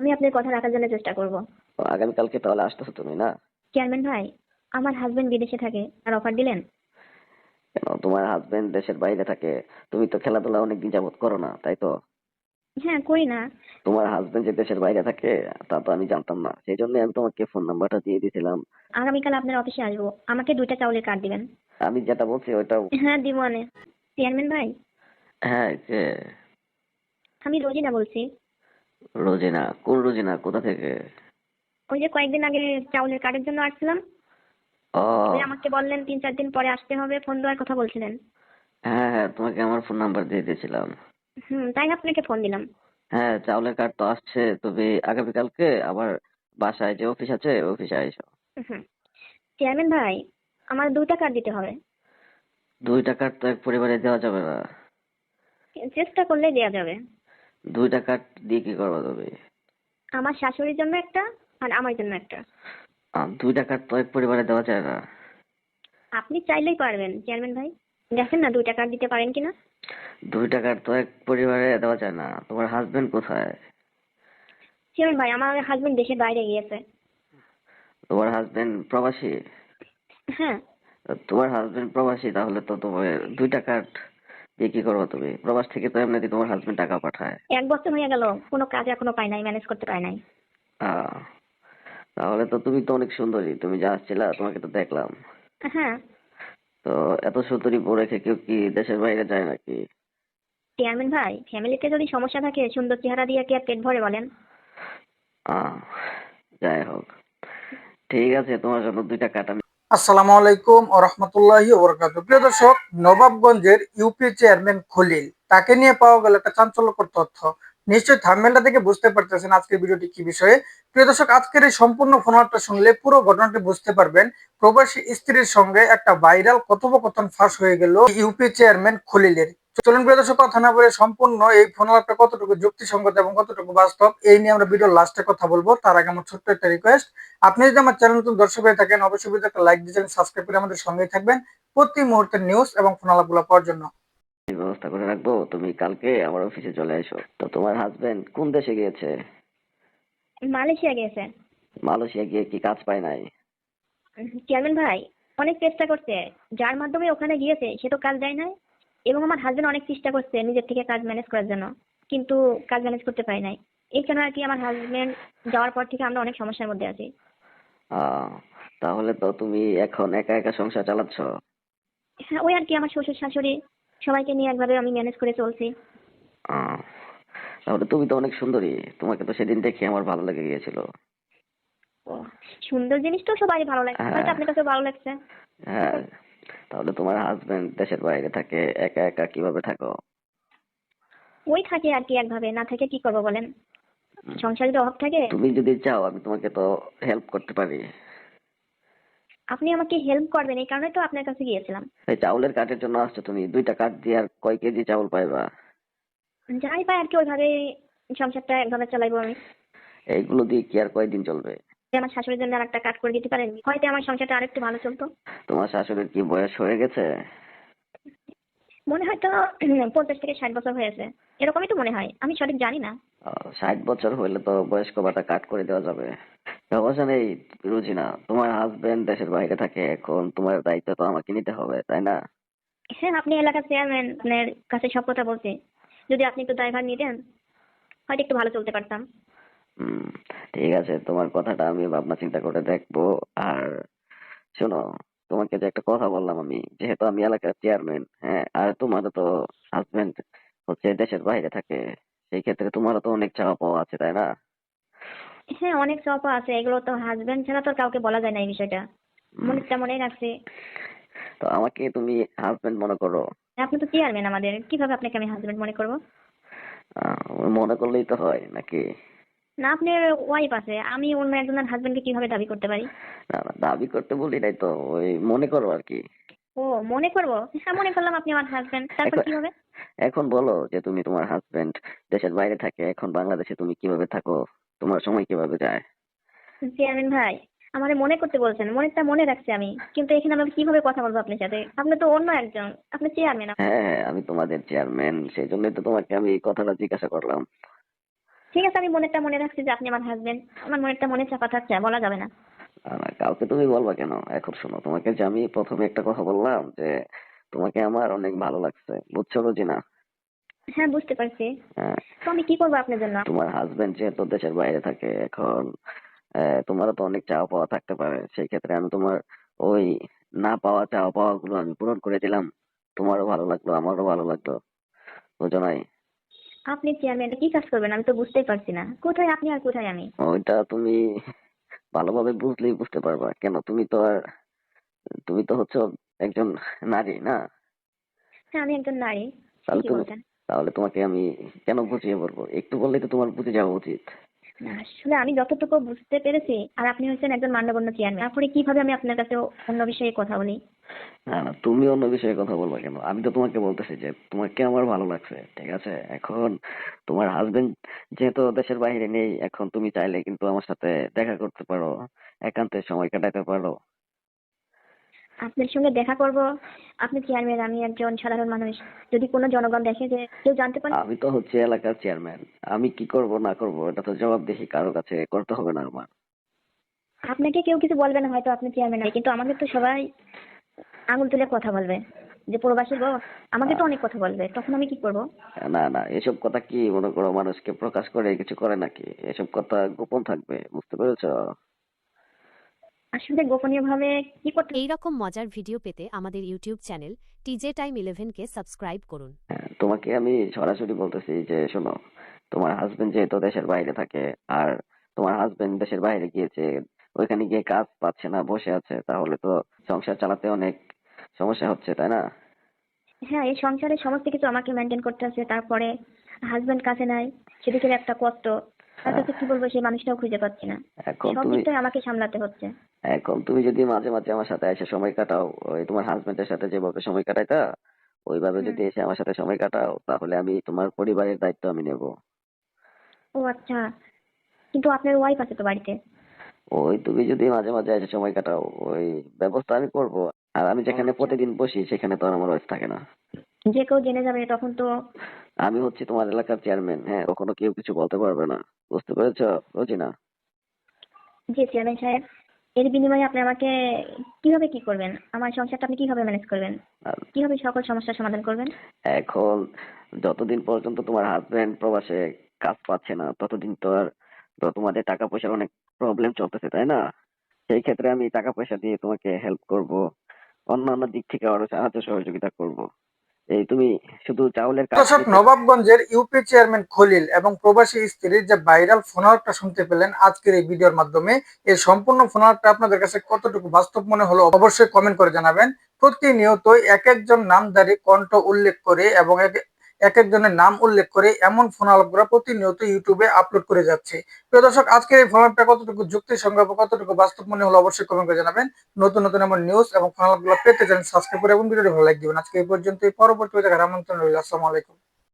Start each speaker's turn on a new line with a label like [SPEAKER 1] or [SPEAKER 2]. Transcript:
[SPEAKER 1] আমি আপনার কথা রাখার জন্য চেষ্টা করব।
[SPEAKER 2] তো আগামীকালকে তাহলে আসতেছো তুমি না?
[SPEAKER 1] চেয়ারম্যান ভাই, আমার হাজবেন্ড বিদেশে থাকে, আর অফার দিলেন?
[SPEAKER 2] কেন, তোমার হাজবেন্ড দেশের বাইরে থাকে? তুমি তো খেলাধুলা অনেকদিন যাবত করো না, তাই তো?
[SPEAKER 1] হ্যাঁ, করি না।
[SPEAKER 2] তোমার হাজবেন্ড যে দেশের বাইরে থাকে তা তো আমি জানতাম না, সেই জন্য আমি তোমাকে ফোন নাম্বারটা দিয়ে দিয়েছিলাম।
[SPEAKER 1] আগামীকাল আপনার অফিসে আসবো, আমাকে 2টা চাউলের কার্ড দিবেন।
[SPEAKER 2] আমি যেটা বলছি ওইটা।
[SPEAKER 1] হ্যাঁ, দিব মানে। চেয়ারম্যান ভাই,
[SPEAKER 2] হ্যাঁ, যে
[SPEAKER 1] আমি রোজিনা বলছি।
[SPEAKER 2] রোজিনা? কোন রোজিনা, কোথা থেকে?
[SPEAKER 1] ওই যে কয়েকদিন আগে চাউলের কার্ডের জন্য আসছিলাম, ওই
[SPEAKER 2] ও,
[SPEAKER 1] আমাকে বললেন 3-4 দিন পরে আসতে হবে, ফোন দেওয়ার কথা বলছিলেন।
[SPEAKER 2] হ্যাঁ হ্যাঁ, তোমাকে আমার ফোন নাম্বার দিয়ে দিয়েছিলাম।
[SPEAKER 1] তাই আপনাকে ফোন দিলাম।
[SPEAKER 2] হ্যাঁ, চাউলের কার্ড তো আসছে, তবে আগামীকালকে আবার বাসায় যে অফিস আছে অফিসে আইসো।
[SPEAKER 1] হুম। চেয়ারম্যান ভাই, আমার 2টা কার্ড দিতে হবে।
[SPEAKER 2] 2টা কার্ড তো এক পরিবারে দেওয়া যাবে না।
[SPEAKER 1] চেষ্টা করলে দেওয়া যাবে।
[SPEAKER 2] 2টা কার্ড দিয়ে কি করবা তুমি?
[SPEAKER 1] আমার শাশুড়ির জন্য একটা, আর আমার জন্য একটা।
[SPEAKER 2] 2টা কার্ড তো এক পরিবারে দেওয়া যায় না।
[SPEAKER 1] আপনি চাইলেই পারবেন চেয়ারম্যান ভাই, দেখেন না 2টা কার্ড দিতে পারেন কিনা।
[SPEAKER 2] 2টা কার্ড তো এক পরিবারে দেওয়া যায় না। তোমার হাজবেন্ড কোথায়?
[SPEAKER 1] চেয়ারম্যান ভাই, আমার হাজবেন্ড দেশের বাইরে গিয়েছে।
[SPEAKER 2] তোমার হাজবেন্ড প্রবাসী?
[SPEAKER 1] হ্যাঁ।
[SPEAKER 2] তোমার হাজবেন্ড প্রবাসী, তাহলে তো তোমার 2টা কার্ড দিয়ে কি করবো তুমি? প্রবাস থেকে তো এমনিতে তোমার হাজবেন্ড টাকা পাঠায়।
[SPEAKER 1] 1 বছর হয়ে গেল, কোনো কাজ এখনো পাই নাই, ম্যানেজ করতে পারি নাই।
[SPEAKER 2] আহ তাহলে তো তুমি তো অনেক সুন্দরী, তুমি যা আসছিলা তোমাকে তো দেখলাম।
[SPEAKER 1] হ্যাঁ।
[SPEAKER 2] তো এত সুন্দরী বউ রেখে কেউ কি দেশের বাইরে যায় নাকি?
[SPEAKER 1] চেয়ারম্যান ভাই, ফ্যামিলিতে যদি সমস্যা থাকে সুন্দর চেহারা দিয়ে কি আর পেট ভরে বলেন?
[SPEAKER 2] আহ যাই হোক, ঠিক আছে, তোমার জন্য 2টা কার্ড আমি।
[SPEAKER 3] আসসালামু আলাইকুম ও রহমতুল্লাহি ওয়া বারাকাতুহু। প্রিয় দর্শক, নবাবগঞ্জের ইউপি চেয়ারম্যান খলিল, তাকে নিয়ে পাওয়া গেল একটা চাঞ্চল্যকর তথ্য। নিশ্চয়ই থাম্বনেলটা দেখে বুঝতে পারতেছেন আজকের ভিডিওটি কি বিষয়ে। প্রিয় দর্শক, আজকের এই সম্পূর্ণ ফোনালাপটা শুনলে পুরো ঘটনাটি বুঝতে পারবেন। প্রবাসী স্ত্রীর সঙ্গে একটা ভাইরাল কথোপকথন ফাঁস হয়ে গেল ইউপি চেয়ারম্যান খলিলের। চলুন প্রিয় দর্শক, কথা না বলে সম্পূর্ণ এই ফোনালাপটা কতটুকু যুক্তিসঙ্গত এবং কতটুকু বাস্তব এই নিয়ে আমরা ভিডিওর লাস্টে কথা বলবো। তার আগে আমার ছোট্ট একটা রিকোয়েস্ট, আপনি যদি আমার চ্যানেল নতুন দর্শক হয়ে থাকেন অবশ্যই ভিডিওতে একটা লাইক দিয়ে সাবস্ক্রাইব করে আমাদের সঙ্গেই থাকবেন প্রতি মুহূর্তের নিউজ এবং ফোনালাপগুলো পাওয়ার জন্য।
[SPEAKER 2] ব্যবস্থা করে রাখবো, তুমি কালকে আমার অফিসে চলে এসো। তো তোমার হাজবেন্ড কোন দেশে গিয়েছে?
[SPEAKER 1] মালয়েশিয়া গিয়েছে।
[SPEAKER 2] মালয়েশিয়া গিয়ে কি কাজ পায় নাই?
[SPEAKER 1] চেয়ারম্যান ভাই, অনেক চেষ্টা করছে, যার মাধ্যমে ওখানে গিয়েছে সে তো কাজ দেয় নাই। এবং আমার হাজবেন্ড অনেক চেষ্টা করছে নিজের থেকে কাজ ম্যানেজ করার জন্য, কিন্তু কাজ ম্যানেজ করতে পারি নাই। এই জন্য আর কি আমার হাজবেন্ড যাওয়ার পর থেকে আমরা অনেক সমস্যার মধ্যে আছি।
[SPEAKER 2] আহ তাহলে তো তুমি এখন একা একা সংসার চালাচ্ছ।
[SPEAKER 1] হ্যাঁ, ওই আর কি, আমার শ্বশুর শাশুড়ি সবাইকে নিয়ে একভাবে আমি ম্যানেজ করে চলছি।
[SPEAKER 2] আহ তাহলে তুমি তো অনেক সুন্দরী, তোমাকে তো সেদিন দেখে আমার ভালো লেগে গিয়েছিল।
[SPEAKER 1] ও, সুন্দর জিনিস তো সবারই ভালো লাগে, হয়তো
[SPEAKER 2] হ্যাঁ
[SPEAKER 1] আপনার কাছে ভালো লাগছে।
[SPEAKER 2] হ্যাঁ, তাহলে তোমার হাজবেন্ড দেশের বাইরে থাকে, একা একা কিভাবে থাকো?
[SPEAKER 1] ওই থাকে আর কি, একভাবে না থেকে কি করবো বলেন,
[SPEAKER 2] উম,
[SPEAKER 1] সংসারে যদি অভাব থাকে।
[SPEAKER 2] তুমি যদি চাও আমি তোমাকে তো হেল্প করতে পারি।
[SPEAKER 1] আপনি আমাকে হেল্প করবেন এই কারণে তো আপনার কাছে গিয়েছিলাম।
[SPEAKER 2] এই চাউলের কাঠের জন্য আসছো তুমি? 2টা কাঠ দিয়ে আর কয় কেজি চাউল পাইবা?
[SPEAKER 1] যাই পাই আর কি, ওইভাবে সংসারটা একভাবে চালাইবো আমি।
[SPEAKER 2] এইগুলো দিয়ে কি আর কয়দিন চলবে?
[SPEAKER 1] যে আমার শাশুড়ির জন্য আর একটা কাজ করে দিতে পারেন, হয়তো আমার সংসারটা আরেকটু ভালো চলতো।
[SPEAKER 2] তোমার শাশুড়ির কি বয়স হয়ে গেছে?
[SPEAKER 1] মনে হয় তো 50 থেকে 60 বছর হয়েছে, এরকমই তো মনে হয়, আমি সঠিক জানি না।
[SPEAKER 2] 60 বছর হইলে তো বয়স্ক ভাতা কাট করে দেওয়া যাবে। সমস্যা নেই রুজিনা, তোমার হাজবেন্ড দেশের বাইরে থাকে, এখন তোমার দায়িত্ব তো আমাকে নিতে হবে, তাই না?
[SPEAKER 1] হ্যাঁ, আপনি এলাকার চেয়ারম্যান, আপনার কাছে সব কথা বলছি, যদি আপনি একটু দায়ভার নিতেন হয়তো একটু ভালো চলতে পারতাম।
[SPEAKER 2] হুম, ঠিক আছে, তোমার কথাটা আমি ভাবনা চিন্তা করে দেখবো। আর শোনো, তোমাকে যে একটা কথা বললাম, আমি যেহেতু আমি এলাকার চেয়ারম্যান, হ্যাঁ, আর তোমারও তো হাজবেন্ড হচ্ছে দেশের বাইরে থাকে, সেই ক্ষেত্রে তোমারও তো অনেক চাওয়া পাওয়া আছে, তাই না?
[SPEAKER 1] হ্যাঁ, অনেক চাপা আছে, এগুলো তো হাজবেন্ড ছাড়া তো আর কাউকে বলা যায় না এই বিষয়টা।
[SPEAKER 2] হুম,
[SPEAKER 1] মনেরটা মনেই রাখছি।
[SPEAKER 2] তো আমাকে তুমি হাজবেন্ড মনে করো।
[SPEAKER 1] আপনি তো চেয়ারম্যান আমাদের, কিভাবে আপনাকে আমি হাজবেন্ড মনে করব?
[SPEAKER 2] মনে করলেই তো হয় নাকি?
[SPEAKER 1] না, আপনার ওয়াইফ আছে, আমি অন্য একজনের হাজবেন্ডকে কিভাবে দাবি করতে পারি?
[SPEAKER 2] না না, দাবি করতে বলি নাই তো, ওই মনে করো আর কি।
[SPEAKER 1] ও, মনে করবো? হ্যাঁ, মনে করলাম আপনি আমার হাজবেন্ড, তারপর
[SPEAKER 2] এখন
[SPEAKER 1] কি হবে?
[SPEAKER 2] এখন বলো যে তুমি, তোমার হাজবেন্ড দেশের বাইরে থাকে, এখন বাংলাদেশে তুমি কিভাবে থাকো? তোমার সময় কিভাবে যায়?
[SPEAKER 1] চেয়ারম্যান ভাই, আমারে মনে করতে বলছেন, মনেরটা মনে রাখছি আমি, কিন্তু এখানে আমি কিভাবে কথা বলবো আপনার সাথে? আপনি তো অন্য একজন, আপনি চেয়ারম্যান।
[SPEAKER 2] হ্যাঁ হ্যাঁ, আমি তোমাদের চেয়ারম্যান, সেই জন্যই তো তোমাকে আমি এই কথাটা জিজ্ঞাসা করলাম।
[SPEAKER 1] ঠিক আছে, আমি মনেরটা মনে রাখছি যে আপনি আমার হাজবেন্ড। আমার মনেরটা মনে চাপা থাকছে, বলা যাবে না।
[SPEAKER 2] না, কাউকে তুমি বলবা কেন? এখন শোনো, তোমাকে যে আমি প্রথমে একটা কথা বললাম যে তোমাকে আমার অনেক ভালো লাগছে, বুঝছো রোজিনা?
[SPEAKER 1] হ্যাঁ, বুঝতে পারছি।
[SPEAKER 2] হ্যাঁ,
[SPEAKER 1] তো আমি কি করবো আপনার জন্য?
[SPEAKER 2] তোমার হাজবেন্ড যেহেতু দেশের বাইরে থাকে এখন, তোমারও তো অনেক চাওয়া পাওয়া থাকতে পারে, সেই ক্ষেত্রে আমি তোমার ওই না পাওয়া চাওয়া পাওয়া গুলো আমি পূরণ করে দিলাম। তোমারও ভালো লাগলো, আমারও ভালো লাগলো, বুঝো নাই?
[SPEAKER 1] আপনি চেয়ারম্যান কি কাজ করবেন আমি তো বুঝতেই পারছি না। কোথায় আপনি আর কোথায় আমি?
[SPEAKER 2] ওইটা তুমি ভালোভাবে বুঝলেই বুঝতে পারবা। কেন, তুমি তো হচ্ছে একজন নারী না?
[SPEAKER 1] হ্যাঁ, আমি একজন নারী।
[SPEAKER 2] তাহলে
[SPEAKER 1] ঠিকই
[SPEAKER 2] তুমি
[SPEAKER 1] বলছেন।
[SPEAKER 2] তাহলে তোমাকে আমি কেন বুঝিয়ে বলবো? একটু বললেই তো তোমার বুঝে যাওয়া উচিত।
[SPEAKER 1] না, আসলে আমি যতটুকু বুঝতে পেরেছি, আর আপনি হচ্ছেন একজন মান্যগণ্য চেয়ারম্যান, তারপরে কিভাবে আমি আপনার কাছে অন্য বিষয়ে কথা বলি?
[SPEAKER 2] না না, তুমি অন্য বিষয়ে কথা বলবা কেন? আমি তো তোমাকে বলতেছি যে তোমাকে আমার ভালো লাগছে, ঠিক আছে? এখন তোমার হাজবেন্ড যেহেতু দেশের বাইরে নেই, এখন তুমি চাইলে কিন্তু আমার সাথে দেখা করতে পারো, একান্তে সময় কাটাতে পারো।
[SPEAKER 1] আপনার সঙ্গে দেখা করব। আপনি চেয়ারম্যান, আমি একজন সাধারণ মানুষ। যদি কোনো জনগণ দেখে যে কেউ জানতে পারে,
[SPEAKER 2] আমি তো হচ্ছে এলাকার চেয়ারম্যান, আমি কি করব না করব এটা তো জবাবদিহি কারো কাছে করতে হবে না আমার।
[SPEAKER 1] আপনাকে কেউ কিছু বলবে না হয়তো, আপনি চেয়ারম্যান, কিন্তু আমাকে তো সবাই আঙুল তুলে কথা বলবে যে প্রবাসী গো। আমাকে তো অনেক কথা বলবে, তখন আমি কি করব?
[SPEAKER 2] না না, এসব কথা কি মনে করো মানুষকে প্রকাশ করে কিছু করে নাকি? এসব কথা গোপন থাকবে, বুঝতে পেরেছো?
[SPEAKER 1] আসলে গোপনীয় ভাবে কি করতে?
[SPEAKER 4] এই রকম মজার ভিডিও পেতে আমাদের ইউটিউব চ্যানেল টিজে টাইম 11কে সাবস্ক্রাইব করুন।
[SPEAKER 2] হ্যাঁ, তোমাকে আমি সরাসরি বলতেছি যে শোনো, তোমার হাজবেন্ড যেহেতু দেশের বাইরে থাকে, আর তোমার হাজবেন্ড দেশের বাইরে গিয়েছে, ওইখানে গিয়ে কাজ পাচ্ছে না, বসে আছে, তাহলে তো সংসার চালাতে অনেক সমস্যা হচ্ছে, তাই না?
[SPEAKER 1] হ্যাঁ, এই সংসারে সমস্ত কিছু আমাকে মেনটেন করতে হচ্ছে। তারপরে হাজবেন্ড কাছে নাই, সেদিকের একটা কষ্ট। তার
[SPEAKER 2] হ্যাঁ,
[SPEAKER 1] কাছে কি বলবো, সেই মানুষটাও খুঁজে পাচ্ছি না।
[SPEAKER 2] এখন
[SPEAKER 1] সব
[SPEAKER 2] তুমি
[SPEAKER 1] দিকটাই আমাকে সামলাতে হচ্ছে।
[SPEAKER 2] এখন তুমি যদি মাঝে মাঝে আমার সাথে এসে সময় কাটাও, ওই তোমার হাজবেন্ডের সাথে যেভাবে সময় কাটাইতা ওইভাবে
[SPEAKER 1] হুম।
[SPEAKER 2] যদি এসে আমার সাথে সময় কাটাও, তাহলে আমি তোমার পরিবারের দায়িত্ব আমি নেব।
[SPEAKER 1] ও আচ্ছা, কিন্তু আপনার ওয়াইফ আছে তো বাড়িতে।
[SPEAKER 2] ওই তুমি যদি মাঝে মাঝে এসে সময় কাটাও, ওই ব্যবস্থা আমি করব। আর আমি
[SPEAKER 1] ও
[SPEAKER 2] যেখানে
[SPEAKER 1] আচ্ছা,
[SPEAKER 2] প্রতিদিন বসি সেখানে তো আর আমার ওয়াইফ থাকে না।
[SPEAKER 1] যে কেউ জেনে যাবে তখন তো।
[SPEAKER 2] আমি হচ্ছি তোমার এলাকার চেয়ারম্যান, হ্যাঁ, কখনো কেউ কিছু বলতে পারবে না, বুঝতে পেরেছো রোজিনা?
[SPEAKER 1] যে চেয়ারম্যান সাহেব, এর বিনিময়ে আপনি আমাকে কিভাবে কি করবেন? আমার সংসারটা আপনি কিভাবে ম্যানেজ করবেন?
[SPEAKER 2] আর
[SPEAKER 1] কিভাবে সকল সমস্যার সমাধান করবেন?
[SPEAKER 2] এখন যতদিন পর্যন্ত তোমার হাজবেন্ড প্রবাসে কাজ পাচ্ছে না, ততদিন তো তোমাদের টাকা পয়সার অনেক প্রবলেম চলতেছে, তাই না? সেই ক্ষেত্রে আমি টাকা পয়সা দিয়ে তোমাকে হেল্প করব, অন্যান্য দিক থেকে আরো সাহায্য সহযোগিতা করব। এই তুমি শুধু চাউলের কার্ড
[SPEAKER 3] দর্শক,
[SPEAKER 2] দিতে।
[SPEAKER 3] নবাবগঞ্জের ইউপি চেয়ারম্যান খলিল এবং প্রবাসী স্ত্রীর যে ভাইরাল ফোনালাপটা শুনতে পেলেন আজকের এই ভিডিওর মাধ্যমে, এই সম্পূর্ণ ফোনালাপটা আপনাদের কাছে কতটুকু বাস্তব মনে হলো অবশ্যই কমেন্ট করে জানাবেন। প্রতিনিয়ত এক একজন নামধারী কণ্ঠ উল্লেখ করে এবং এক একজনের নাম উল্লেখ করে এমন ফোনালাপগুলো প্রতিনিয়ত ইউটিউবে আপলোড করে যাচ্ছে। প্রিয় দর্শক, আজকের এই ফোনালাপটা কতটুকু যুক্তিসঙ্গত, কতটুকু বাস্তব মনে হলো অবশ্যই কমেন্ট করে জানাবেন। নতুন নতুন এমন নিউজ এবং ফোনালাপগুলো পেতে চ্যানেল সাবস্ক্রাইব করে এবং ভিডিওটি ভালো লাইক দিবেন। আজকে এই পর্যন্তই, পরবর্তী দেখার আমন্ত্রণ রইল। আসসালামু আলাইকুম।